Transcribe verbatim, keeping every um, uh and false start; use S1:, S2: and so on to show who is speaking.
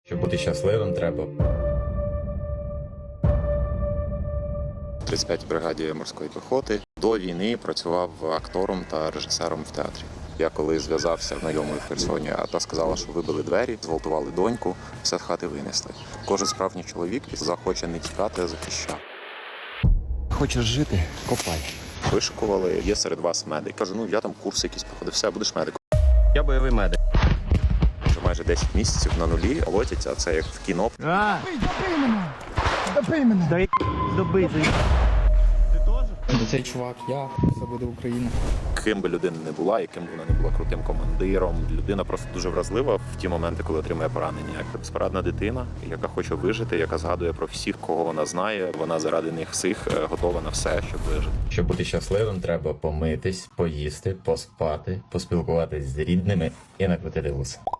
S1: Щоб бути щасливим, треба.
S2: В тридцять п'ятій бригаді морської піхоти до війни працював актором та режисером в театрі. Я коли зв'язався знайомою в Херсоні, а та сказала, що вибили двері, зґвалтували доньку, все з хати винесли. Кожен справжній чоловік захоче не тікати, а захищати.
S3: Хочеш жити? Копай.
S2: Вишукували, є серед вас медик. Кажу, ну я там курси якісь проходив, все, будеш медиком.
S3: Я бойовий медик.
S2: Вже майже десять місяців на нулі лотять, а це як в кіно.
S3: А!
S4: Добий мене! Добий мене!
S3: Дай добий.
S4: Цей чувак, я, це буде Україна.
S2: Ким би людина не була, яким би вона не була крутим командиром, людина просто дуже вразлива в ті моменти, коли отримує поранення. Як безпорадна дитина, яка хоче вижити, яка згадує про всіх, кого вона знає. Вона заради них всіх готова на все, щоб вижити.
S1: Щоб бути щасливим, треба помитись, поїсти, поспати, поспілкуватись з рідними і накрутити вуса.